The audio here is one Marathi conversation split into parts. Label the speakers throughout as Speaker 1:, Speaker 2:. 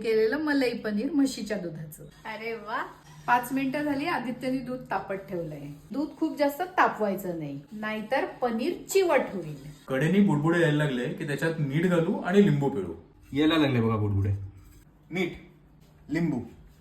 Speaker 1: केलेलं मलाई पनीर म्हशीच्या दुधाचं. अरे वा. 5 मिनिटं झाली. आदित्यने दूध तापत ठेवलंय. दूध खूप जास्त तापवायचं नाही, नाहीतर पनीर चिवट होईल.
Speaker 2: कडेनी बुडबुडे यायला लागले की त्याच्यात मीठ घालू आणि लिंबू पिळू.
Speaker 3: यायला लागले बघा बुडबुडे.
Speaker 2: मीठ, लिंबू.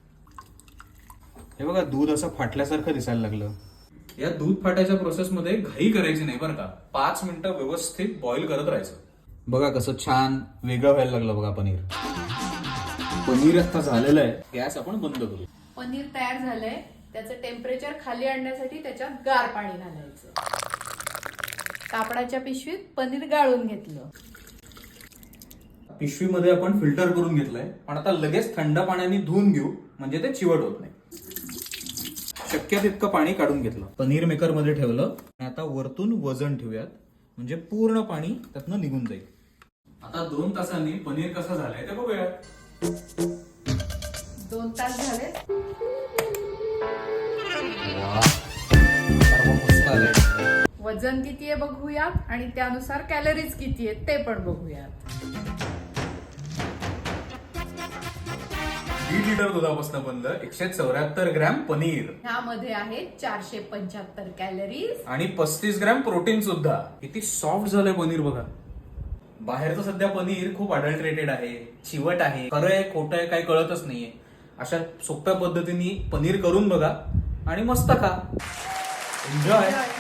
Speaker 3: हे बघा दूध असं फाटल्यासारखं दिसायला लागलं.
Speaker 2: या दूध फाटायच्या प्रोसेसमध्ये घाई करायची नाही बरं का. 5 मिनिटं व्यवस्थित बॉईल करत राहायचं.
Speaker 3: बघा कसं छान वेगळं व्हायला लागलं बघा पनीर. पनीर आता झालेलं आहे. गॅस आपण बंद करू.
Speaker 1: पनीर तयार झालंय. त्याचं टेम्परेचर खाली आणण्यासाठी त्याच्यात गार पाणी घालायचं. कापडाच्या पिशवीत पनीर गाळून घेतलं.
Speaker 2: पिशवीमध्ये आपण फिल्टर करून घेतलंय, पण आता लगेच थंड पाण्याने धुवून घेऊ, म्हणजे ते चिवट होत नाही.
Speaker 3: शक्य तितकं पाणी काढून घेतलं. पनीर मेकर मध्ये ठेवलं आणि आता वरतून वजन ठेवूयात, म्हणजे पूर्ण पाणी त्यातनं निघून जाईल.
Speaker 2: आता 2 तासांनी पनीर कसं झालंय ते बघूया.
Speaker 1: 2 तास झाले. वजन किती आहे बघूयात आणि त्यानुसार कॅलरीज किती आहेत ते पण बघूयात.
Speaker 2: 1.5 लिटर दुधापासून बनलं 174 ग्रॅम पनीर.
Speaker 1: ह्यामध्ये आहे 475 कॅलरीज
Speaker 2: आणि 35 ग्रॅम प्रोटीन सुद्धा. किती सॉफ्ट झालंय पनीर बघा. बाहेरचं सध्या पनीर खूप अडल्ट्रेटेड आहे, चिवट आहे, खरं आहे खोटं आहे काही कळतच नाहीये. अशा सोप्या पद्धतीने पनीर करून बघा आणि मस्त खा. एन्जॉय.